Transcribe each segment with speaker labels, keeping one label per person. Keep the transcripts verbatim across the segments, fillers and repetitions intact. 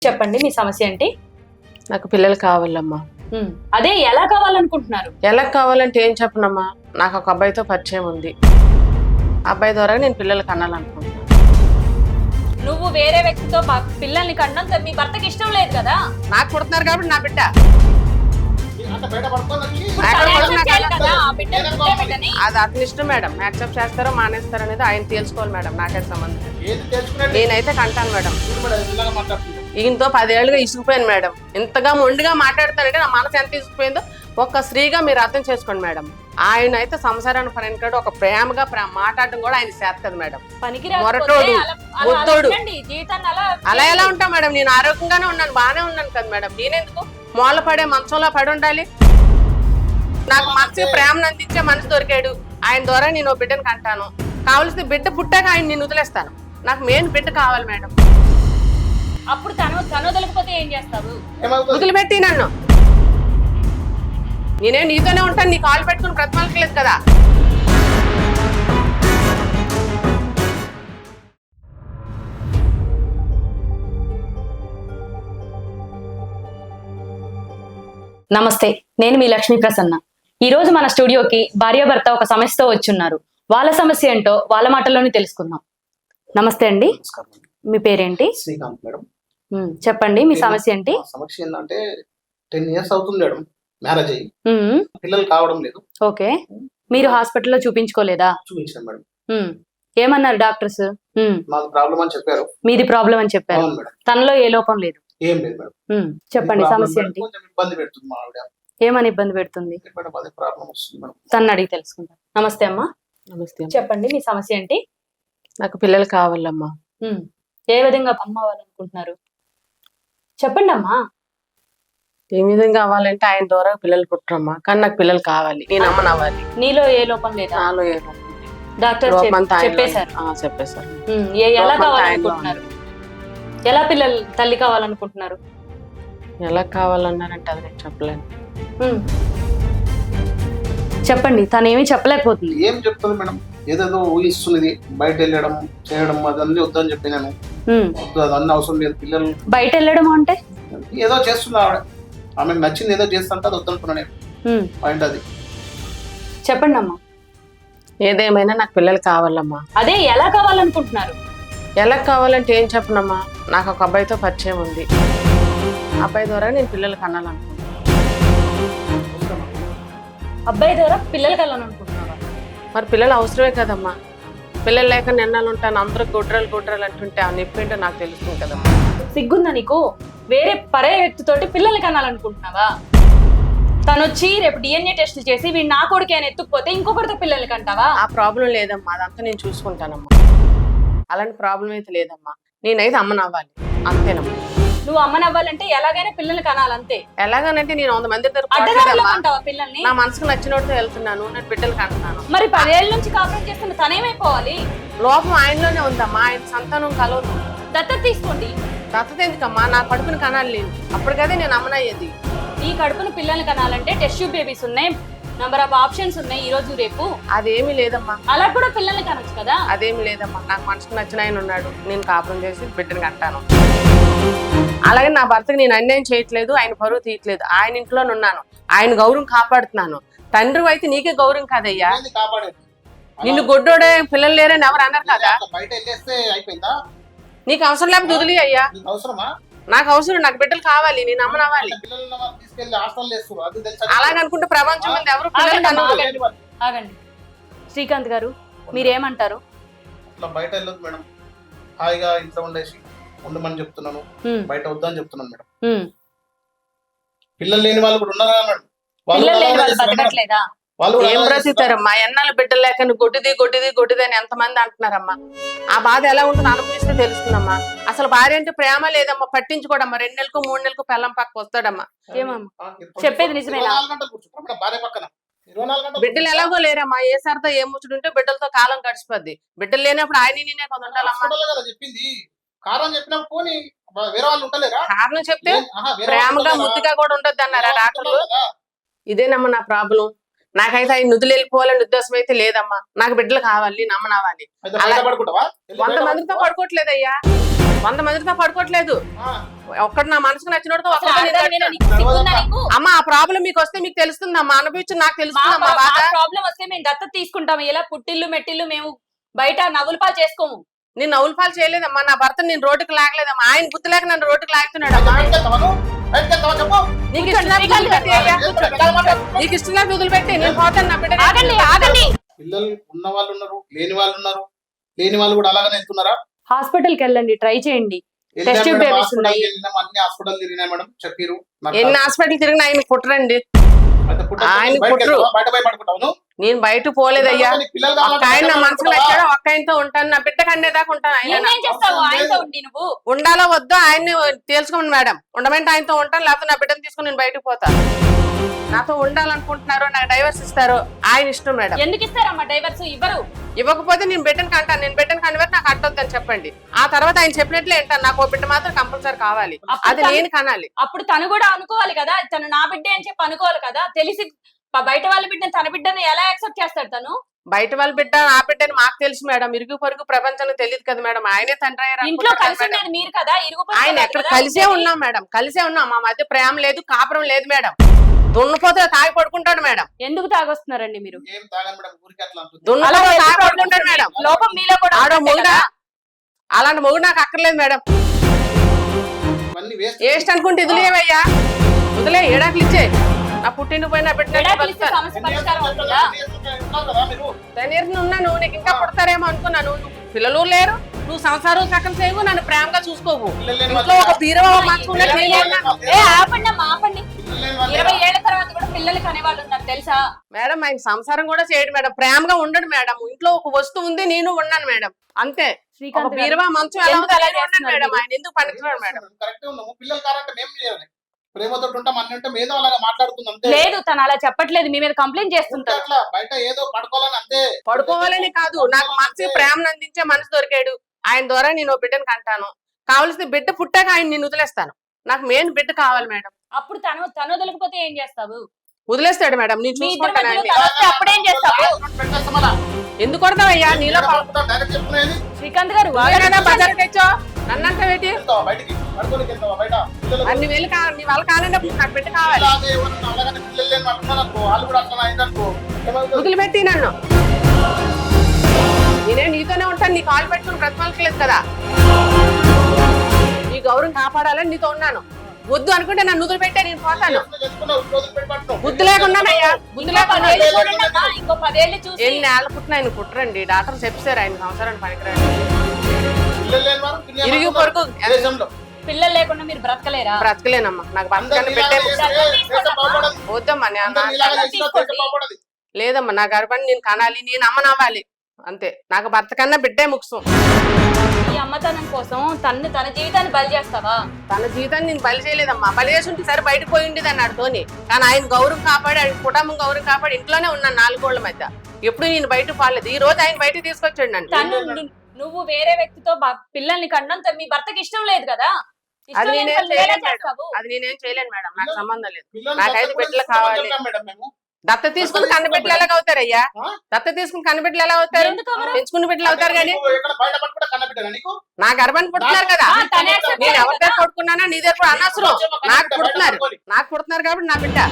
Speaker 1: చెప్పండి మీ సమస్య ఏంటి?
Speaker 2: నాకు పిల్లలు కావాలమ్మా.
Speaker 1: అదే ఎలా కావాలనుకుంటున్నారు?
Speaker 2: ఎలా కావాలంటే ఏం చెప్పనమ్మా, నాకు ఒక అబ్బాయితో పరిచయం ఉంది. అబ్బాయి ద్వారా నేను పిల్లలు కనాలనుకుంటున్నాను.
Speaker 1: నువ్వు వేరే వ్యక్తితో పిల్లల్ని కన్నంత మీ భర్తకి ఇష్టం లేదు కదా?
Speaker 2: నాకు పుడుతున్నారు కాబట్టి నా బిడ్డ అది అతని ఇష్టం మేడం. యాక్సెప్ట్ చేస్తారో మానేస్తారో అనేది ఆయన తెలుసుకోవాలి మేడం. నాకైతే సంబంధం నేనైతే కంటాను మేడం. ఈయనతో పదేళ్లుగా ఇసుకుపోయాను మేడం. ఇంతగా మొండిగా మాట్లాడతానంటే నా మనసు ఎంత ఇసుకుపోయిందో ఒక్క స్త్రీగా మీరు అర్థం చేసుకోండి మేడం. ఆయన అయితే సంసారాన్ని పనికాడు ఒక ప్రేమగా మాట్లాడడం కూడా ఆయన చేస్తుంది మేడం. మొరటోడు ఒత్తోడు అలా ఎలా ఉంటా మేడం? నేను ఆరోగ్యంగానే ఉన్నాను, బాగానే ఉన్నాను కదా మేడం. నేనెందుకు మూల పడే మంచంలో పడి ఉండాలి? నాకు మంచి ప్రేమను అందించే మనిషి దొరికాడు. ఆయన ద్వారా నేను బిడ్డను కంటాను. కావలసిన బిడ్డ పుట్టాక ఆయన నేను వదిలేస్తాను. నాకు మెయిన్ బిడ్డ కావాలి మేడం.
Speaker 1: అప్పుడు తను తను వదలకపోతే ఏం చేస్తావు?
Speaker 2: వదిలిపెట్టి నన్ను. నేనే నీతోనే ఉంటాను, నీ కాలు పెట్టుకుని బ్రతమాలకలేదు కదా.
Speaker 1: నమస్తే, నేను మీ లక్ష్మీ ప్రసన్న. ఈ రోజు మన స్టూడియోకి భార్యాభర్త ఒక సమస్యతో వచ్చున్నారు. వాళ్ళ సమస్య ఏంటో వాళ్ళ మాటల్లోనే తెలుసుకుందాం. నమస్తే అండి, మీ పేరేంటి?
Speaker 3: శ్రీకాంత్ మేడం.
Speaker 1: చెప్పండి మీ సమస్య ఏంటి?
Speaker 3: సమస్య ఏంటంటే టెన్ ఇయర్స్ అవుతుంది మేడం మ్యారేజ్ అయ్యి, పిల్లలు కావడం లేదు.
Speaker 1: ఓకే, మీరు హాస్పిటల్లో చూపించుకోలేదా?
Speaker 3: చూపించాను మేడం.
Speaker 1: ఏమన్నారు డాక్టర్స్?
Speaker 3: మాది ప్రాబ్లం అని చెప్పారు.
Speaker 1: మీది ప్రాబ్లం అని చెప్పారు. తనలో ఏ లోపం లేదు?
Speaker 3: ఏం లేదు మేడం.
Speaker 1: చెప్పండి సమస్య ఏంటి?
Speaker 3: కొంచెం ఇబ్బంది పెడుతుంది మా ఆవిడ.
Speaker 1: ఏమని ఇబ్బంది పెడుతుంది?
Speaker 3: ప్రాబ్లం వస్తుంది మేడం.
Speaker 1: తను అడిగి తెలుసుకుంటాం. నమస్తే అమ్మా.
Speaker 2: నమస్తే.
Speaker 1: చెప్పండి మీ సమస్య ఏంటి?
Speaker 2: నాకు పిల్లలు కావాలమ్మా.
Speaker 1: ఏ విధంగా అమ్మ అవ్వాలనుకుంటున్నారు? చెప్పండి అమ్మా.
Speaker 2: ఏ విధంగా అవ్వాలంటే ఆయన ద్వారా పిల్లలు పుట్టరమ్మా, కానీ నాకు పిల్లలు కావాలి. నేను అమ్మని అవ్వాలి.
Speaker 1: నీలో ఏ లోపం లేదా?
Speaker 2: నాలో ఏ లోపం?
Speaker 1: డాక్టర్ చెప్పేశారు.
Speaker 2: చెప్పేశారు.
Speaker 1: ఎలా కావాలనుకుంటున్నారు? ఎలా పిల్లలు తల్లి కావాలనుకుంటున్నారు?
Speaker 2: ఎలా కావాలన్నారంటే అది నేను చెప్పలేను.
Speaker 1: చెప్పండి. తను ఏమీ చెప్పలేకపోతుంది.
Speaker 3: ఏం చెప్తుంది మేడం? ఏదేదో ఊహిస్తున్నది. బయట వెళ్ళడం చేయడం అదన్నీ వద్దని చెప్పినాను. అదన్నీ అవసరం లేదు. పిల్లలు
Speaker 1: బయట వెళ్ళడం అంటే
Speaker 3: ఏదో చేస్తున్నా ఆవిడ, ఆమెకు నచ్చింది ఏదో చేస్తుంటే అది వద్దనుకున్నా నేను. పాయింట్ అది.
Speaker 1: చెప్పండి అమ్మా.
Speaker 2: ఏదేమైనా నాకు పిల్లలు కావాలమ్మా.
Speaker 1: అదే ఎలా కావాలనుకుంటున్నారు?
Speaker 2: ఎలా కావాలంటే ఏం చెప్పనమ్మా, నాకు ఒక అబ్బాయితో పరిచయం ఉంది. అబ్బాయి ద్వారా నేను పిల్లలు కనాలనుకుంటున్నాను.
Speaker 1: అబ్బాయి ద్వారా పిల్లలు కనాలనుకుంటున్నావా?
Speaker 2: మరి పిల్లలు అవసరమే కదమ్మా. పిల్లలు లేక నిన్నాలు ఉంటాను, అందరూ గుడ్రలు గుడ్రలు అంటుంటే ఆ నొప్పి ఏంటో నాకు తెలుస్తుంది కదమ్మా.
Speaker 1: సిగ్గుందా నీకు? వేరే పరే వ్యక్తితోటి పిల్లలు కనాలనుకుంటున్నావా? తను వచ్చి రేపు డిఎన్ఏ టెస్ట్ చేసి వీడు నా కొడుకు అని ఎత్తుకుపోతే ఇంకొకరితో పిల్లలు కంటావా?
Speaker 2: ఆ ప్రాబ్లం లేదమ్మా, అదంతా నేను చూసుకుంటానమ్మా. అలాంటి ప్రాబ్లం అయితే లేదమ్మా. నేనైతే అమ్మనవ్వాలి అంతేనమ్మా.
Speaker 1: నువ్వు అమ్మనవ్వాలంటే ఎలాగైనా పిల్లలు కనాలంతే.
Speaker 2: ఎలాగనంటే నేను వంద మంది
Speaker 1: పిల్లల్ని
Speaker 2: నా మనసుకు నచ్చినట్టు వెళ్తున్నాను, నేను బిడ్డలు కంటున్నాను.
Speaker 1: మరి పదేళ్ళ నుంచి కాపురం చేస్తున్న తనేమైపోవాలి?
Speaker 2: లోపం ఆయనలోనే ఉందమ్మా. ఆయన సంతానం కలవదు.
Speaker 1: దత్తత తీసుకోండి.
Speaker 2: దత్తత ఎందుకమ్మా? నా కడుపుని కనాలి నేను, అప్పటికదే నేను అమ్మనయ్యేది.
Speaker 1: ఈ కడుపును పిల్లల్ని కనాలంటే టెస్ట్ ట్యూబ్ బేబీస్ ఉన్నాయి, నంబర్ ఆఫ్ ఆప్షన్స్ ఉన్నాయి. ఈ రోజు రేపు
Speaker 2: అదేమి లేదమ్మా.
Speaker 1: అలా కూడా పిల్లల్ని కనొచ్చు కదా.
Speaker 2: అదేమి లేదమ్మా. నాకు మనసుకు నచ్చిన ఆయన ఉన్నాడు, నేను కాపురం చేసి బిడ్డను కంటాను. అలాగే నా భర్తకి నేను అన్యాయం చేయట్లేదు, ఆయన పరువు తీయట్లేదు. ఆయన ఇంట్లోనే ఉన్నాను, ఆయన గౌరవం కాపాడుతున్నాను. తండ్రి అయితే నీకే గౌరవం కాదయ్యా. నిన్ను గొడ్డోడే పిల్లలు లేరని ఎవరు అన్నారు కదా. నీకు అవసరం లేకపోతే వదిలి అయ్యా. నాకు అవసరం, నాకు బిడ్డలు కావాలి, నేను అమ్మనవ్వాలి. అలాగనుకుంటే ప్రపంచం మీద ఎవరు పిల్లలు.
Speaker 1: ఆగండి శ్రీకాంత్ గారు, మీరేమంటారు?
Speaker 3: బయట వెళ్ళదు మేడం, హాయిగా ఇంట్లో ఉండేసి ఉండమని చెప్తున్నాను. బయట వద్దని చెప్తున్నాను మేడం. పిల్లలు లేని వాళ్ళు కూడా ఉన్నారు మేడం.
Speaker 2: ఏం బ్రతుకుతారమ్మా? ఎన్నాళ్ళు బిడ్డలు లేక గొడ్డిది గొడ్డిది గొడ్డిది అని ఎంతమంది అంటున్నారమ్మా. ఆ బాధ ఎలా ఉంటుందో అనుభవిస్తే తెలుస్తుందమ్మా. అసలు భార్య అంటే ప్రేమ లేదమ్మా, పట్టించుకోడమ్మా. రెండు నెలలకు మూడు నెలలకు పెళ్ళం పక్క వస్తాడమ్మా.
Speaker 1: ఏమమ్మా చెప్పేది నిజమేనా?
Speaker 2: బిడ్డలు ఎలాగో లేరమ్మా. ఏ సరదా ఏ ముచ్చుడుంటే బిడ్డలతో కాలం గడిచిపోద్ది. బిడ్డలు లేనప్పుడు ఆయన నేనే కొంత ఉండాలమ్మా.
Speaker 3: కారణం
Speaker 2: చెప్తే ప్రేమగా ముద్దుగా కూడా ఉండొద్దు అన్నారా డాక్టర్లు? ఇదేనమ్మా నా ప్రాబ్లం. నాకైతే ఆయన నుదులు వెళ్ళిపోవాలని ఉద్దేశం అయితే లేదమ్మా. నాకు బిడ్డలు కావాలి, నమ్మనవ్వాలి. వంద మందితో పడుకోవట్లేదయ్యా. వంద మందితో పడుకోవట్లేదు.
Speaker 3: ఆ,
Speaker 2: ఒక్కడు నా మనసుకు నచ్చినోడితో
Speaker 1: అసలు
Speaker 2: ఒక్కడితో నేను
Speaker 1: ఆడదానివేనా?
Speaker 2: కట్టాను.
Speaker 1: నీకు సిగ్గుందా నీకు?
Speaker 2: అమ్మ ఆ ప్రాబ్లం మీకు వస్తే మీకు తెలుస్తుందమ్మా, అనుభవించి నాకు
Speaker 1: మా
Speaker 2: తెలుస్తుందమ్మా బాధ.
Speaker 1: ప్రాబ్లం వస్తే మేము దత్తత తీసుకుంటాం. ఇలా పుట్టిల్లు మెట్టిల్లు మేము బయట నవ్వులు పాలు చేసుకోము.
Speaker 2: నేను నవ్వులు పాలు చేయలేదమ్మా, నా భర్త నేను రోడ్డుకి లాగలేదమ్మా, ఆయన బుద్ధి లేక నన్ను రోడ్డుకి లాగుతున్నాడు అమ్మా.
Speaker 3: బయటకి వెళ్తావా నువ్వు? బయటకి వెళ్తావా చెప్పు.
Speaker 2: నీకు ఇష్టం లేకపోతే వదిలిపెట్టి అయ్యా. నీకు ఇష్టం లేకపోతే వదిలిపెట్టి, నేను పోతాను నా బిడ్డ.
Speaker 1: ఆగండి ఆగండి.
Speaker 3: పిల్లలు ఉన్న వాళ్ళు ఉన్నారు, లేని వాళ్ళు ఉన్నారు. లేని వాళ్ళు కూడా అలాగనే వెళ్తున్నారా?
Speaker 1: హాస్పిటల్ కి వెళ్ళండి, ట్రై చేయండి.
Speaker 3: వెళ్ళాం
Speaker 1: Test tube
Speaker 3: madam,
Speaker 1: babies
Speaker 3: hospital
Speaker 1: ఉన్నాయి.
Speaker 3: వెళ్ళినాం, అన్ని హాస్పిటల్ తిరిగినా మేడం, చెప్పిరు. నాకు
Speaker 2: ఎన్ని హాస్పిటల్ తిరిగినా ఆయన కుట్రండి.
Speaker 3: అయితే పుట్ట
Speaker 2: ఆయన
Speaker 3: బయటకి
Speaker 2: కుట్రు.
Speaker 3: వెళ్తావా? బయట పోయి పడుకుంటావు నువ్వు?
Speaker 2: నేను బయట పోలేదయ్యా.
Speaker 3: నీకు పిల్లలు
Speaker 2: ఒక్క
Speaker 3: కావాలంటే
Speaker 2: ఆయన నా
Speaker 3: బయట
Speaker 2: మనసులో
Speaker 3: పడుకుంటావా?
Speaker 2: వచ్చాడో ఒక్క ఆయనతో ఉంటాను, నా బిడ్డ కండేదాకా ఉంటాను. ఆయన
Speaker 1: ఏమేం చేస్తావు ఆయనతో ఉండి నువ్వు?
Speaker 2: ఉండాలో వద్దో ఆయన్ని తేల్చుకోండి మేడం. ఉండమంటే ఆయనతో ఉంటాను, లేకపోతే నా బిడ్డను తీసుకుని నేను బయటకు పోతాను. నాతో ఉండాలనుకుంటున్నారు, నాకు డైవర్స్ ఇస్తారు, ఆయన ఇష్టం మేడం.
Speaker 1: ఎందుకు ఇస్తారమ్మా డైవర్స్? ఇవ్వరు.
Speaker 2: ఇవ్వకపోతే నేను బిడ్డను కంటాను, నేను బిడ్డను కనివేరు నాకు అట్టొద్దని చెప్పండి. ఆ తర్వాత ఆయన చెప్పినట్లే ఏంటాను, నాకు ఓ బిడ్డ మాత్రం కంపల్సరీ కావాలి, అది నేను కనాలి.
Speaker 1: అప్పుడు తను కూడా అనుకోవాలి కదా, తను నా బిడ్డే అని చెప్పి అనుకోవాలి కదా. తెలిసి ప- బయట వాళ్ళ బిడ్డని తన బిడ్డని ఎలా యాక్సెప్ట్ చేస్తాడు తను?
Speaker 2: బయట వాళ్ళ బిడ్డ నా బిడ్డని మాకు తెలుసు మేడం, ఇరుగు పొరుగు ప్రపంచంలో తెలియదు కదా మేడం. ఆయనే తండ్రి అయ్యారు
Speaker 1: ఇంట్లో
Speaker 2: అనుకుంటారు
Speaker 1: కలిసి
Speaker 2: మేడం.
Speaker 1: ఉండేది మీరు కదా, ఇరుగు పొరుగు
Speaker 2: ఆయన
Speaker 1: కాదు
Speaker 2: ఎక్కడ
Speaker 1: కదా
Speaker 2: కలిసే
Speaker 1: ఉండేది.
Speaker 2: ఉన్నాం మేడం, కలిసే ఉన్నాం. మా మధ్య ప్రేమ లేదు, కాపురం లేదు మేడం. దున్నపోతే తాగి పడుకుంటాడు మేడం,
Speaker 1: ఎందుకు తాగొస్తున్నారండి మీరు?
Speaker 3: ఏం తాగను మేడం, ఊరికి అట్లా అంటుంది.
Speaker 2: దున్నపోతే
Speaker 1: అలా
Speaker 2: తాగి
Speaker 1: ఎందుకు
Speaker 2: పడుకుంటాడు మేడం.
Speaker 1: లోపం మీలో కూడా
Speaker 2: ఆడో
Speaker 1: ఉంటుంది
Speaker 2: మొగుడా,
Speaker 1: కదా.
Speaker 2: అలాంటి మొగుడు నాకు అక్కర్లేదు మేడం.
Speaker 3: ఇవన్నీ వేస్ట్.
Speaker 2: ఏస్ట్ అనుకుంటే వదిలేవయ్యా, వదిలే ఏడాకులు ఇచ్చే. నా పుట్టింటి పోయిన
Speaker 1: విడాకులు ఇస్తే సమస్య పరిష్కారం అవుతుందా?
Speaker 2: తనీర్ని ఉన్నాను, నీకు ఇంకా పుడతారేమో అనుకున్నాను. నువ్వు పిల్లలు లేరు, నువ్వు సంసారం సకం చేయవు, నన్ను ప్రేమగా చూసుకోవు. ఇంట్లో ఒక బీరవ మంచుకున్నా
Speaker 1: ఏ ఆపండి అమ్మా, ఆపండి. ఇరవై ఏళ్ల తర్వాత కూడా పిల్లలకి అనేవాళ్ళు ఉన్నారు తెలుసా?
Speaker 2: మేడం ఆయన సంసారం కూడా చేయడు మేడం, ప్రేమగా ఉండడు మేడం. ఇంట్లో ఒక వస్తువు ఉంది, నేను ఉన్నాను మేడం, అంతే. ఒక
Speaker 1: శ్రీకాంత్ గారు,
Speaker 2: బీరవ మంచం ఎలా
Speaker 1: ఎందుకు అలా
Speaker 2: ఉందో ఉన్నాను
Speaker 1: చేస్తున్నారు
Speaker 2: మేడం.
Speaker 1: మీరు?
Speaker 2: ఆయన ఎందుకు పనికిరాడు మేడం.
Speaker 3: కరెక్ట్ ఉన్నాము. పిల్లలు కావాలంటే మేము చేయాలి. ప్రేమతో ఉంటాం, అన్ని ఉంటే ఏదో అలాగా మాట్లాడుతుంది అంతే.
Speaker 1: లేదు తను అలా చెప్పట్లేదు, మీ మీద కంప్లైంట్
Speaker 3: ఉంటే
Speaker 1: చేస్తుంటారు.
Speaker 3: అట్లా బయట ఏదో పడుకోవాలని అంతే.
Speaker 2: పడుకోవాలని కాదు, నాకు మంచి ప్రేమను అందించే మనసు దొరికాడు. ఆయన ద్వారా నేను ఓ బిడ్డను కంటాను. కావలసిన బిడ్డ పుట్టాక ఆయన నేను వదిలేస్తాను. నాకు మెయిన్ బిడ్డ కావాలి మేడం.
Speaker 1: అప్పుడు తను తను వదలకపోతే ఏం చేస్తావు?
Speaker 2: వదిలేస్తాడు మేడం, నేను
Speaker 1: మీ ఇద్దరి
Speaker 2: చూసుకుంటాను
Speaker 1: మధ్యలో
Speaker 2: ఆయన్ని.
Speaker 1: తను వస్తే అప్పుడేం చేస్తావు?
Speaker 3: పెట్టేస్తామలా.
Speaker 2: ఎందుకు కొడతావయ్యా నీలో పా-
Speaker 3: డైరెక్ట్ చెప్పుకునేది.
Speaker 1: శ్రీకాంత్ గారు
Speaker 2: నువ్వే కదా బజార్ తెచ్చో నన్నంత పెట్టి
Speaker 3: వెళ్తావా బయటికి? పడుకోనికి వెళ్తావా బయట? పిల్లలు
Speaker 2: అన్ని వేలు కా నీ వాళ్ళ కానప్పుడు నాకు బిడ్డ కావాలి.
Speaker 3: ఇలాగే ఎవరన్నా అలాగనే పిల్లలు లేని వాళ్ళు ఉన్నారనుకో, వాళ్ళు కూడా అట్లా అయిందనుకో, ఏమవుతుంది?
Speaker 2: వదిలిపెట్టి నన్ను. నేనే నీతోనే ఉంటాను, నీ కాలు పెట్టుకుని బ్రతకలేదు కదా. నీ గౌరవం కాపాడాలని నీతో ఉన్నాను. వద్దు అనుకుంటే నన్ను వదిలిపెట్టే నేను పోతాను.
Speaker 3: చేసుకున్నావు, రోజులు పెట్టి పడుతున్నావు.
Speaker 2: బుద్ధి లేకున్నానయ్యా, బుద్ధి
Speaker 1: ఇంకో
Speaker 2: లేకుండా
Speaker 1: పదేళ్ళు చూడండి అమ్మా, ఇంకో పదేళ్ళు చూసి
Speaker 2: ఎన్ని ఏళ్ళ పుట్టిన ఆయన కుట్రండి. డాక్టర్ చెప్పారు ఆయన సంవత్సరానికి పనికిరాడు.
Speaker 3: పిల్లలు లేని వారు పిల్లలు
Speaker 2: ఇరుగు
Speaker 3: ఉన్నారు
Speaker 2: పొరుగు
Speaker 3: దేశంలో.
Speaker 1: పిల్లలు లేకుండా మీరు బ్రతకలేరా?
Speaker 2: బ్రతకలేనమ్మా, నాకు
Speaker 3: అందరూ
Speaker 2: బతకని పెట్టే
Speaker 3: ఇలాగే చేస్తే దేశం బాగుపడదు.
Speaker 2: వద్దమ్మా. నేను
Speaker 3: అందరూ ఇలాగే చేసినా దేశం బాగుపడదు.
Speaker 2: లేదమ్మా, నా గర్భాన్ని నేను కనాలి, నేను అమ్మనవ్వాలి అంతే. నాకు భర్త కన్నా బిడ్డే ముఖ్యం.
Speaker 1: ఈ అమ్మతనం కోసం తను తన జీవితాన్ని బలి చేస్తావా?
Speaker 2: తన జీవితాన్ని నేను బలి చేయలేదమ్మా. బలి చేసి ఉంటే సరే బయటకు పోయి ఉండేది అన్నాడు తోని. కానీ ఆయన గౌరవం కాపాడి, ఆయన కుటుంబం గౌరవం కాపాడి ఇంట్లోనే ఉన్నాను నాలుగోళ్ల మధ్య. ఎప్పుడు నేను బయటకు పాలేదు. ఈ రోజు ఆయన బయటకు తీసుకొచ్చాడు నన్ను.
Speaker 1: తను ను- నువ్వు వేరే వ్యక్తితో బ- పిల్లల్ని కన్నంత మీ భర్తకి ఇష్టం లేదు కదా? ఇష్టం
Speaker 2: అది
Speaker 1: లేని
Speaker 2: నేనేం
Speaker 1: పనులు ఎలా
Speaker 2: చేయలేను మేడం,
Speaker 1: చేస్తావు?
Speaker 2: అది నేనేం చేయలేను మేడం, నాకు సంబంధం లేదు.
Speaker 3: పిల్లలు
Speaker 2: నాకు ఐదు
Speaker 3: దత్తత
Speaker 2: బిడ్డలు
Speaker 3: తీసుకోమని
Speaker 2: కావాలి.
Speaker 3: చెప్పాం మేడం మేము.
Speaker 2: దత్త తీసుకుని కన్న బిడ్డలు ఎలా అవుతారయ్యా?
Speaker 3: ఆ?
Speaker 2: దత్త తీసుకుని కన్న బిడ్డలు ఎలా అవుతారు?
Speaker 1: ఎందుకు అవ్వరు?
Speaker 2: పెంచుకున్న బిడ్డలు అవుతారు కానీ
Speaker 3: నీకు ఎక్కడ బయట పట్టుకుంటే కన్నబిడ్డనా నీకు?
Speaker 2: నా గర్భాన్ని పుడుతున్నారు కదా.
Speaker 1: ఆ, తనే accept
Speaker 2: నేను
Speaker 1: చేయాలి
Speaker 2: ఎవరి దగ్గర
Speaker 1: కదా?
Speaker 2: కొడుకున్నానా నీ దగ్గర కూడా అనవసరం. నాకు పుడుతున్నారు, నాకు పుడుతున్నారు కాబట్టి నా బిడ్డ.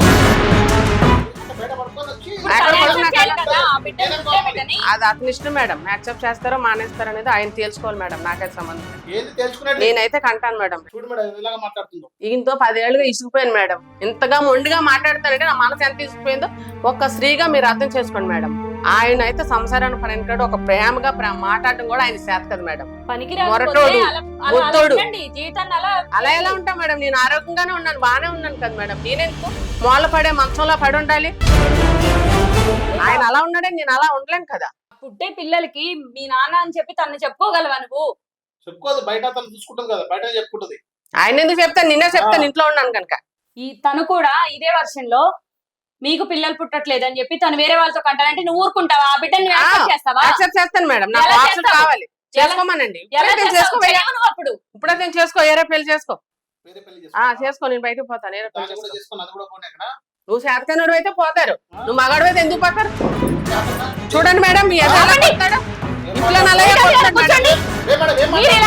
Speaker 3: బయట పట్టుకొని వచ్చి
Speaker 1: ఇప్పుడు
Speaker 2: ఎక్కడ
Speaker 1: తనే
Speaker 2: పడుతున్నా
Speaker 1: accept చేయాలి
Speaker 3: కదా?
Speaker 1: కదా, ఆ బిడ్డని
Speaker 3: నేనేం
Speaker 1: పుట్టే
Speaker 3: కావాలి?
Speaker 1: బిడ్డని.
Speaker 2: అది అతని ఇష్టం మేడం. యాక్సెప్ట్ చేస్తారో మానేస్తారో అనేది ఆయన తెలుసుకోవాలి మేడం, నాకైతే సంబంధం లేదు.
Speaker 3: ఏంది తెలుసుకునేది?
Speaker 2: నేనైతే కంటాను మేడం.
Speaker 3: చూడు మేడం ఇలాగా మాట్లాడుతుందో.
Speaker 2: ఈయనతో పదేళ్లుగా ఇసుకుపోయాను మేడం. ఇంతగా మొండిగా మాట్లాడతానంటే నా మనసు ఎంత ఇసుకుపోయిందో ఒక్క స్త్రీగా మీరు అర్థం చేసుకోండి మేడం. ఆయన అయితే సంసారాన్ని పనికిరాడు. ఒక ప్రేమగా ప్రేమ మాట్లాడడం కూడా ఆయన చేత కదా మేడం.
Speaker 1: పనికి రాకపోతే
Speaker 2: మొరటోడు,
Speaker 1: అలా- అలా- అలా
Speaker 2: బుద్ధోడు.
Speaker 1: ఉండండి, జీవితాన్ని అలా
Speaker 2: అలా ఎలా ఉంటా మేడం? నేను ఆరోగ్యంగానే ఉన్నాను, బాగానే ఉన్నాను కదా మేడం. నేనెందుకు మూల పడే మంచంలో పడి ఉండాలి? ఆయన అలా ఉన్నాడని నేను అలా ఉండలేను కదా.
Speaker 1: పుట్టే పిల్లలకి మీ నాన్న అని చెప్పి తను చెప్పుకోగలవా నువ్వు?
Speaker 3: చెప్పుకోదు, బయట తను చూసుకుంటుంది కదా, బయట చెప్పుకుంటది.
Speaker 2: ఆయన ఎందుకు చెప్తాను, నిన్నే చెప్తాను ఇంట్లో ఉన్నాను కనుక.
Speaker 1: ఈ తను కూడా ఇదే వర్షన్ లో మీకు పిల్లలు పుట్టట్లేదు అని చెప్పి తను వేరే వాళ్ళతో కంటానంటే నువ్వు ఊరుకుంటావా? ఆ బిడ్డని నువ్వు accept చేస్తావా?
Speaker 2: యాక్సెప్ట్ చేస్తాను మేడం, నాకు
Speaker 1: ఎలా
Speaker 2: ఆప్షన్
Speaker 1: చేస్తావు?
Speaker 2: కావాలి. చేసుకోమనండి.
Speaker 1: ఎలా
Speaker 2: ఇప్పుడే నేను
Speaker 1: చేస్తావు?
Speaker 2: చేసుకోవయ్యా.
Speaker 1: చేయవు నువ్వు అప్పుడు.
Speaker 2: ఇప్పుడే నేను చేసుకో, ఏరే పెళ్లి చేసుకో.
Speaker 3: వేరే పెళ్లి
Speaker 2: ఆ
Speaker 3: చేసుకో.
Speaker 2: చేసుకో, నేను బయటకు పోతాను. ఏరే పెళ్లి
Speaker 3: దాన్ని కూడా
Speaker 2: చేసుకో.
Speaker 3: చేసుకొని అది కూడా పోనీ అక్కడ.
Speaker 2: నువ్వు శాతకనుడు అయితే పోతారు, నువ్వు మగాడు అయితే ఎందుకు పోతారు?
Speaker 3: చేతనా?
Speaker 2: చూడండి మేడం, మీ యజమాని
Speaker 1: ఆగండి.
Speaker 2: పోతాడు.
Speaker 3: ఏం
Speaker 2: ఇంట్లో
Speaker 3: మాట్లాడు-
Speaker 2: నల్లగా
Speaker 1: కూర్చోండి.
Speaker 2: పోతాడు మేడం.
Speaker 3: ఏ మేడం, ఏం
Speaker 1: మీరు
Speaker 3: మాట్లాడు-
Speaker 1: ఇలా మీరు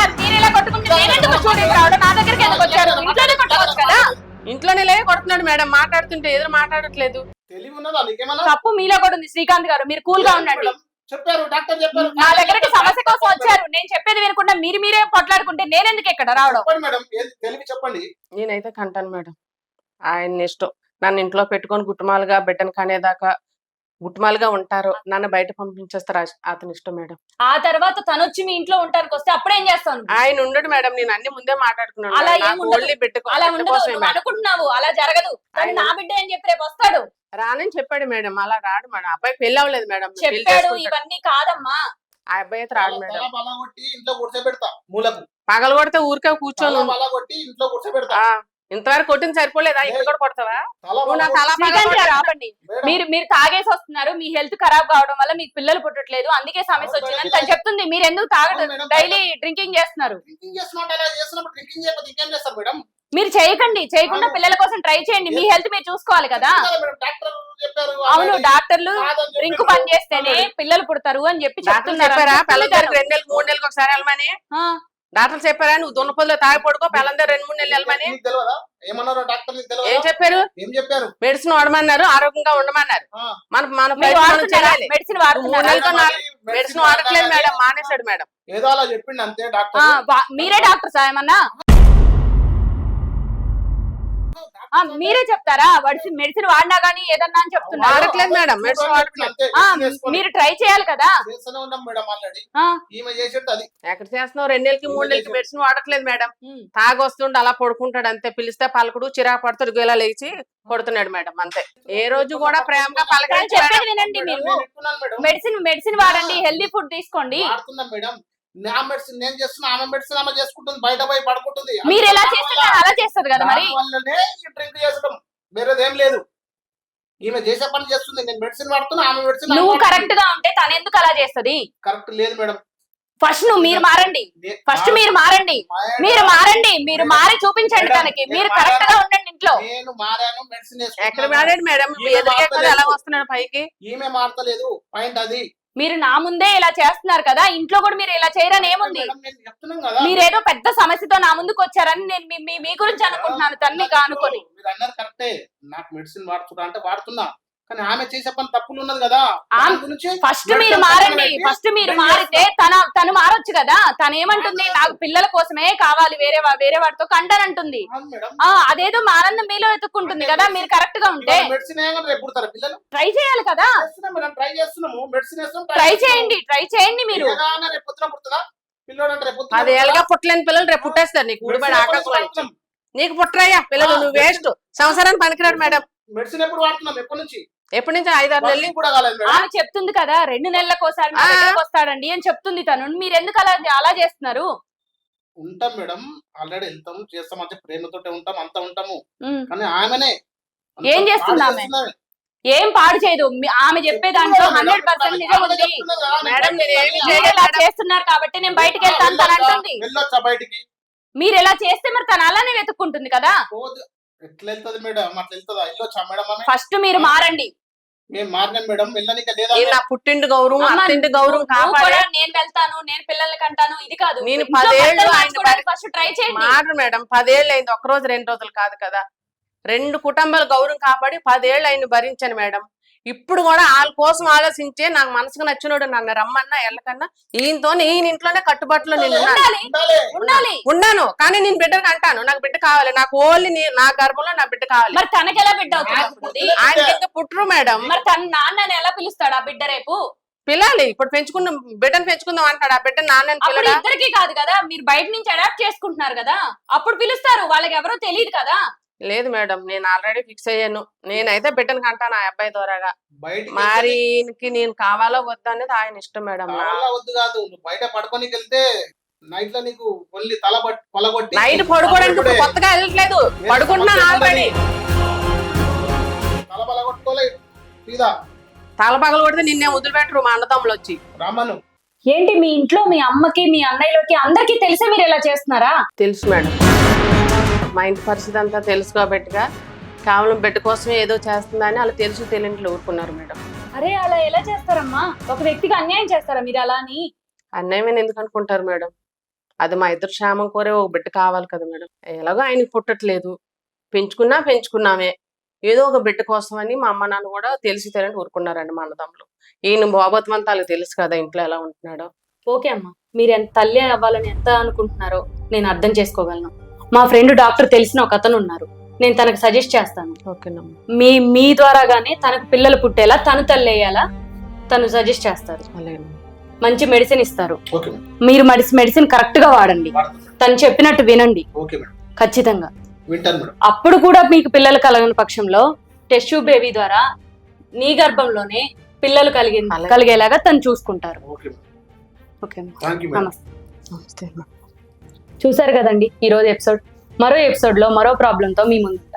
Speaker 1: ఇలా కొట్టుకుంటే నేనెందుకు స్టూడెంట్ రావడం, నా దగ్గరికి ఎందుకు వచ్చారు? ఇంట్లోనే కొట్టుకోవచ్చు కదా.
Speaker 2: ఇంట్లోనే లే కొడుతున్నాడు మేడం, మాట్లాడుతుంటే ఎదురు మాట్లాడట్లేదు.
Speaker 3: తెలివి ఉన్నదా నీకేమన్నా?
Speaker 1: తప్పు మీలో కూడా ఉంది శ్రీకాంత్ గారు, మీరు కూల్ గా ఉండండి.
Speaker 3: చెప్పారు డాక్టర్ చెప్పారు.
Speaker 1: నా దగ్గరికి సమస్య కోసం వచ్చారు, నేను చెప్పేది వినకుండా మీరు మీరే పొట్లాడుకుంటే నేనెందుకు ఇక్కడ రావడం?
Speaker 3: చెప్పండి మేడం, ఏది తెలివి చెప్పండి.
Speaker 2: నేనైతే కంటాను మేడం, ఆయన ఇష్టం. నన్ను ఇంట్లో పెట్టుకొని గుట్టుమాలుగా బిడ్డను కనేదాకా గుట్టుమాలుగా ఉంటారు, నన్ను బయట పంపించేస్తారు, అతని ఇష్టం మేడం.
Speaker 1: ఆ తర్వాత తను వచ్చి మీ ఇంట్లో ఉంటానికి వస్తే అప్పుడేం చేస్తాను?
Speaker 2: ఆయన ఉండడు మేడం, నేను అన్ని ముందే మాట్లాడుకున్నాను.
Speaker 1: అలా
Speaker 2: నాకు
Speaker 1: ఏముండదు.
Speaker 2: ఓన్లీ పెట్టుకో
Speaker 1: అలా
Speaker 2: బిడ్డ
Speaker 1: ఉండదు,
Speaker 2: కోసమే
Speaker 1: నువ్వు
Speaker 2: మేడం.
Speaker 1: అనుకుంటున్నావు, అలా జరగదు. తను నా బిడ్డ అని చెప్పి రేపు వస్తాడు.
Speaker 2: రానని చెప్పాడు మేడం, అలా రాడు మేడం. అబ్బాయి పెళ్లి అవ్వలేదు మేడం, పెళ్లి
Speaker 1: చెప్పాడు.
Speaker 2: చేసుకుంటాడు.
Speaker 1: ఇవన్నీ కాదమ్మా.
Speaker 2: ఆ అబ్బాయి అయితే రాడు మేడం.
Speaker 3: తల బలగొట్టి ఇంట్లో కూర్చోబెడతా మూలకు.
Speaker 2: పగలు కొడితే ఊరికే కూర్చొని
Speaker 3: తల
Speaker 2: ఉండు.
Speaker 3: బలగొట్టి ఇంట్లో కూర్చోబెడతా.
Speaker 2: ఆ, ఇంతవరకు కొట్టింది సరిపోలేదా? ఇక్కడ కూడా కొడతావా?
Speaker 3: తల
Speaker 2: నువ్వు నా తల
Speaker 3: బలగొట్టి-
Speaker 1: శ్రీకాంత్ గారు ఆపండి.
Speaker 3: మేడం,
Speaker 1: మీరు మీరు తాగేసి వస్తున్నారు, మీ హెల్త్ ఖరాబ్ కావడం వల్ల మీకు పిల్లలు పుట్టట్లేదు, అందుకే సమస్య వచ్చిందని తను చెప్తుంది. మీరు ఎందుకు తాగడం, డైలీ డ్రింకింగ్ చేస్తున్నారు?
Speaker 3: డ్రింకింగ్ చేస్తున్నట్టు అలా చేస్తున్నప్పుడు డ్రింకింగ్ చేయకపోతే ఇంకేం చేస్తారు మేడం?
Speaker 1: మీరు చేయకండి, చేయకుండా పిల్లల కోసం ట్రై చేయండి. మీ హెల్త్ మీరు చూసుకోవాలి కదా.
Speaker 3: కదా మేడం, డాక్టర్ చెప్పారు.
Speaker 1: అవును,
Speaker 3: already.
Speaker 1: డాక్టర్లు
Speaker 3: కాదని
Speaker 1: డ్రింక్
Speaker 3: చెప్పారు.
Speaker 1: పని చేస్తేనే పిల్లలు పుడతారు అని చెప్పి
Speaker 2: డాక్టర్
Speaker 1: చెప్తున్నారు.
Speaker 2: చెప్పారా పిల్లల
Speaker 1: చెప్తున్నారు.
Speaker 2: దగ్గర రెండు నెలలు మూడు నెలలకు ఒకసారి వెళ్ళమని?
Speaker 1: ఆ,
Speaker 2: డాక్టర్ చెప్పారా నువ్వు దున్నపొద్దులో తాగి పడుకో పిల్లల దగ్గర రెండు మూడు నెలలు వెళ్ళమని?
Speaker 3: నీకు తెలియదా? ఏమన్నారో డాక్టర్ నీకు
Speaker 2: ఏం
Speaker 3: తెలియదా?
Speaker 2: చెప్పారు?
Speaker 3: ఏం చెప్పారు?
Speaker 2: మెడిసిన్ వాడమన్నారు, ఆరోగ్యంగా ఉండమన్నారు.
Speaker 3: ఆ.
Speaker 2: మన మన
Speaker 1: మీరు
Speaker 2: ప్రయత్నం మనం
Speaker 1: వాడుతున్నారా?
Speaker 2: చేయాలి.
Speaker 1: మెడిసిన్
Speaker 2: మూడు
Speaker 1: వాడుతున్నారా?
Speaker 2: నెలలతో నాలుగు మెడిసిన్ వాడట్లేదు మేడం, మానేశాడు మేడం.
Speaker 3: ఏదో అలా చెప్పిండు అంతే
Speaker 1: ఆ,
Speaker 3: డాక్టర్.
Speaker 1: వా- మీరే డాక్టర్ సాయమన్నా? ఆ, మీరే చెప్తారా? మెడిసిన్ మెడిసిన్ వాడినా గానీ ఏదన్నా అని చెప్తున్నారు.
Speaker 2: వాడట్లేదు మేడం, మెడిసిన్ వాడట్లేదు.
Speaker 3: అంతే,
Speaker 1: ఆ,
Speaker 3: చేసుకొని
Speaker 1: మీరు ట్రై చేయాలి కదా.
Speaker 3: చేస్తూనే ఉన్నాం మేడం ఆల్రెడీ.
Speaker 1: ఆ,
Speaker 3: ఈమె చేసేది అది.
Speaker 2: ఎక్కడ చేస్తున్నావు? రెండు నెలలకి మూడు నెలలకి మెడిసిన్ వాడట్లేదు మేడం.
Speaker 1: ఉమ్.
Speaker 2: తాగొస్తుండే అలా పడుకుంటాడు అంతే, పిలిస్తే పలకడు, చిరాకు పడతాడు, గేలా లేచి కొడుతున్నాడు మేడం అంతే. ఏ రోజు కూడా ప్రేమగా
Speaker 1: కానీ
Speaker 2: పలకరించి
Speaker 1: చెప్పేది వినండి.
Speaker 3: మేడం,
Speaker 1: మీరు
Speaker 3: నేను చెప్తున్నాను మేడం.
Speaker 1: మెడిసిన్ మెడిసిన్ వాడండి, హెల్దీ ఫుడ్ తీసుకోండి.
Speaker 3: వాడుతున్నాం మేడం. నా మెడిసిన్ నేను చేస్తున్నా, ఆమె మెడిసిన్ ఆమె చేసుకుంటుంది, బయట పోయి పడుకుంటుంది.
Speaker 1: మీరు ఎలా చేస్తుంటారు అలా చేస్తారు కదా మరి.
Speaker 3: దాని వల్లనే ఈ డ్రింక్ చేసడం, వేరేదేం లేదు. ఈమె చేసే పని చేస్తుంది, నేను మెడిసిన్ వాడుతున్నా, ఆమె మెడిసిన్
Speaker 1: నువ్వు కరెక్ట్ గా ఉంటే తను ఎందుకు అలా చేస్తది?
Speaker 3: కరెక్ట్ లేదు మేడం.
Speaker 1: ఫస్ట్ నువ్వు మీరు మారండి,
Speaker 3: నే-
Speaker 1: ఫస్ట్ మీరు మారండి, మీరు మారండి, మీరు మారి చూపించండి
Speaker 3: మేడం,
Speaker 1: తనకి.
Speaker 3: నేను
Speaker 1: మీరు కరెక్ట్ గా ఉండండి ఇంట్లో.
Speaker 3: నేను మారాను, మెడిసిన్
Speaker 2: ఎక్కడ మారాడు మేడం?
Speaker 3: ఈమె
Speaker 2: ఎదురుగా
Speaker 3: మారతలేదు.
Speaker 2: ఎలా వస్తున్నాడు పైకి?
Speaker 3: ఈమె మారతలేదు, పాయింట్ అది.
Speaker 1: మీరు నా ముందే ఇలా చేస్తున్నారు కదా, ఇంట్లో కూడా మీరు ఇలా చేయరని ఏముంది?
Speaker 3: మేడం, నేను చెప్తున్నాం కదా.
Speaker 1: మీరేదో పెద్ద సమస్యతో నా ముందుకు వచ్చారని నేను మీ- మీ- మీ గురించి అనుకుంటున్నాను, తన్ని కానుకొని.
Speaker 3: మీరు అన్నారు కరెక్టే, నాకు మెడిసిన్ వాడుతున్నా అంటే వాడుతున్నా, కానీ ఆమె చేసే పని తప్పులు ఉన్నది కదా.
Speaker 1: ఆమె-
Speaker 3: దాని గురించి
Speaker 1: ఫస్ట్
Speaker 3: medicine
Speaker 1: మీరు మారండి,
Speaker 3: పెట్టి
Speaker 1: ఫస్ట్ మీరు
Speaker 3: drink
Speaker 1: మారితే తన తను మారొచ్చు కదా. తను ఏమంటుంది, నాకు పిల్లల కోసమే కావాలి, వేరే వా- వేరే వాడితో కంటానంటుంది.
Speaker 3: అవును మేడం.
Speaker 1: ఆ అదేదో మా ఆనందం మీలో ఎత్తుక్కుంటుంది కదా. మీరు కరెక్ట్ గా ఉంటే
Speaker 3: మెడిసిన్ ఏమన్నా రేపు పుడతారా పిల్లలు?
Speaker 1: ట్రై చేయాలి కదా.
Speaker 3: చేస్తున్నాం మేడం, ట్రై చేస్తున్నాము, మెడిసిన్ వేస్తున్నాం,
Speaker 1: ట్రై చేయండి, ట్ై చేయండి మీరు.
Speaker 3: ఏదైనా రేపు పొద్దున పుడుతుందా పిల్లోడు? అంటే రేపు పొద్దున
Speaker 2: పది ఏళ్ళగా పుట్టలేని పిల్లలు రేపు పుట్టేస్తారు నీకు ఊడిపడి ఆకాశం నుంచి. నీకు పుట్టరయ్యా పిల్లలు, నువ్వు వేస్ట్, సంవత్సరానికి పనికిరాడు మేడం.
Speaker 3: మెడిసిన్ ఎప్పుడు వాడుతున్నాం? ఎప్పటి నుంచి?
Speaker 2: ఎప్పటి నుంచి? ఐదారు నెలలు.
Speaker 3: కూడా కాలేదు మేడం.
Speaker 1: ఆమె చెప్తుంది కదా, రెండు నెలలకు ఒకసారి మా
Speaker 2: ఆ.
Speaker 1: దగ్గరకు వస్తాడండి అని చెప్తుంది తను. మీరు ఎందుకు అలా అలా చేస్తున్నారు?
Speaker 3: ఉంటాం మేడం, ఆల్రెడీ వెళ్తాం, చేస్తాం, అంటే ప్రేమతోటే ఉంటాం, అంతా ఉంటాము.
Speaker 1: ఉమ్.
Speaker 3: కానీ ఆమెనే అంత
Speaker 1: ఏం చేస్తుంది
Speaker 3: పాడు
Speaker 1: ఆమె?
Speaker 3: చేస్తుంది.
Speaker 1: ఏం పాడు చేయదు. మీ- ఆమె చెప్పే దాంట్లో హండ్రెడ్ పర్సెంట్ నిజం
Speaker 3: ఆమె
Speaker 1: ఉంది.
Speaker 3: చెప్తున్నది కదా, నేను
Speaker 2: మేడం,
Speaker 3: బయటికి
Speaker 2: నేను ఏమి
Speaker 3: వెళ్ళాలి.
Speaker 1: మీరు ఇలా చేస్తున్నారు కాబట్టి నేను బయటికి వెళ్తాను తను అంటుంది.
Speaker 3: వెళ్ళొచ్చా బయటికి?
Speaker 1: మీరు ఎలా చేస్తే మరి తను అలానే వెతుక్కుంటుంది కదా.
Speaker 3: పోదు. ఎట్లా వెళ్తది మేడం? అట్లా వెళ్తుందా? వెళ్ళొచ్చా మేడం? ఆమె
Speaker 1: ఫస్ట్ మీరు మారండి.
Speaker 3: మేము మారినాం మేడం, వెళ్ళనిక లేదా?
Speaker 2: నేను నా పుట్టింటి గౌరవం,
Speaker 1: అమ్మ,
Speaker 2: అత్తింటి గౌరవం
Speaker 1: నువ్వు
Speaker 2: కాపాడే
Speaker 1: కూడా నేను వెళ్తాను, నేను పిల్లల్ని కంటాను, ఇది కాదు.
Speaker 2: నేను
Speaker 1: ఇంట్లో
Speaker 2: పదేళ్ళు
Speaker 1: భర్తలు
Speaker 2: ఆయన
Speaker 1: మార్చుకోవడానికి ఫస్ట్ ట్రై చేయండి.
Speaker 2: మాట మేడం. పదేళ్ళు అయింది, ఒక్క రోజు రెండు రోజులు కాదు కదా. రెండు కుటుంబాల గౌరవం కాపాడి పదేళ్ళు ఆయన భరించాను మేడం. ఇప్పుడు కూడా వాళ్ళ కోసం ఆలోచించే నాకు మనసుకు నచ్చినోడు నన్ను రమ్మన్నా ఎల్లకన్నా ఈయనతో ఈయన ఇంట్లోనే కట్టుబాటులో నేను ఉన్నాను.
Speaker 1: ఉండాలి,
Speaker 3: ఉండాలి.
Speaker 1: ఉండాలి.
Speaker 2: ఉన్నాను కానీ నేను బిడ్డకు అంటాను, నాకు బిడ్డ కావాలి, నాకు ఓన్లీ నీ- నా గర్భంలో నా బిడ్డ కావాలి.
Speaker 1: మరి తనకి ఎలా బిడ్డ అవుతుంది అప్పుడు?
Speaker 2: ఆయన ఇంకా పుట్టరు మేడం.
Speaker 1: మరి తన నాన్నని ఎలా పిలుస్తాడు ఆ బిడ్డ రేపు?
Speaker 2: పిల్లాలి, ఇప్పుడు పెంచుకున్న బిడ్డను పెంచుకుందాం అంటాడు, ఆ బిడ్డ నాన్నని
Speaker 1: అప్పుడు
Speaker 2: పిల్లడా?
Speaker 1: ఇద్దరికి కాదు కదా, మీరు బయట నుంచి అడాప్ట్ చేసుకుంటున్నారు కదా, అప్పుడు పిలుస్తారు. వాళ్ళకి ఎవరో తెలియదు కదా.
Speaker 2: లేదు మేడం, నేను ఆల్రెడీ ఫిక్స్ అయ్యాను. నేనైతే బిడ్డను కంటాను ఆ అబ్బాయి ద్వారాగా.
Speaker 3: బయటికి
Speaker 2: మరి ఈయనకి నేను కావాలో వద్దా అనేది ఆయన ఇష్టం మేడం.
Speaker 3: కావాలా వద్దు కాదు, నువ్వు బయట పడుకోనికి వెళ్తే నైట్ లో నీకు ఒళ్ళి తల పట్- పలగొట్టి
Speaker 2: నైట్ పడుకోవడానికి ఇప్పుడు కొత్తగా వెళ్ళట్లేదు, పడుకుంటున్నాను ఆల్రెడీ.
Speaker 3: తల పలగొట్టుకోలే సీదా
Speaker 2: తల పగలు కొడితే నిన్నే వదిలిపెట్టరు మా అన్నదమ్ములు వచ్చి.
Speaker 3: రామను.
Speaker 1: ఏంటి మీ ఇంట్లో మీ అమ్మకి మీ అన్నయ్యలకి అందరికి తెలిసే మీరు ఇలా చేస్తున్నారా?
Speaker 2: తెలుసు మేడం, మా ఇంటి పరిస్థితి అంతా తెలుసు కాబట్టిగా కేవలం బిడ్డ కోసమే ఏదో చేస్తుందని అలా తెలుసు తెలియట్లు ఊరుకున్నారు మేడం.
Speaker 1: అరే అలా ఎలా చేస్తారమ్మా? ఒక వ్యక్తికి అన్యాయం చేస్తారా మీరు అలా అని?
Speaker 2: అన్నయ్యమని ఎందుకు అనుకుంటారు మేడం? అది మా ఇద్దరు క్షేమం కోరే ఒక బిడ్డ కావాలి కదా మేడం. ఎలాగో ఆయనకి పుట్టట్లేదు, పెంచుకున్నా పెంచుకున్నామే, ఏదో ఒక బిడ్డ కోసం అని మా అమ్మ నాన్న కూడా తెలిసి తెలియని ఊరుకున్నారండి మా అన్నదమ్ములు. ఈయన బాగోత్వం వాళ్ళకి తెలుసు కదా ఇంట్లో ఎలా ఉంటున్నాడో.
Speaker 1: ఓకే అమ్మా, మీరు ఎంత తల్లి అవ్వాలని ఎంత అనుకుంటున్నారో నేను అర్థం చేసుకోగలను. మా ఫ్రెండ్ డాక్టర్ తెలిసిన ఒక అతను ఉన్నారు, నేను తనకు సజెస్ట్ చేస్తాను.
Speaker 2: ఓకేనమ్మా.
Speaker 1: మీ మీ ద్వారాగానే తనకు పిల్లలు పుట్టేలా, తను తల్లి అయ్యేలా తను సజెస్ట్ చేస్తారు.
Speaker 2: అలాగే
Speaker 1: మంచి మెడిసిన్ ఇస్తారు.
Speaker 3: Okay madam.
Speaker 1: మీరు మెడిసిన్ మెడిసిన్ కరెక్ట్ గా వాడండి,
Speaker 3: వాడతాను మేడం.
Speaker 1: తను చెప్పినట్టు వినండి
Speaker 3: ఓకే మేడం,
Speaker 1: ఖచ్చితంగా.
Speaker 3: వింటాను మేడం.
Speaker 1: అప్పుడు కూడా మీకు పిల్లలు కలగని పక్షంలో టెస్ట్ ట్యూబ్ బేబీ ద్వారా నీ గర్భంలోనే పిల్లలు కలిగి
Speaker 2: అలాగే.
Speaker 1: కలిగేలాగా తను చూసుకుంటారు.
Speaker 3: Okay madam,
Speaker 1: okay
Speaker 3: thank you madam.
Speaker 1: నమస్తే.
Speaker 2: నమస్తే.
Speaker 1: చూసారు కదండి ఈ రోజు ఎపిసోడ్. మరో ఎపిసోడ్ లో మరో ప్రాబ్లంతో మీ ముందు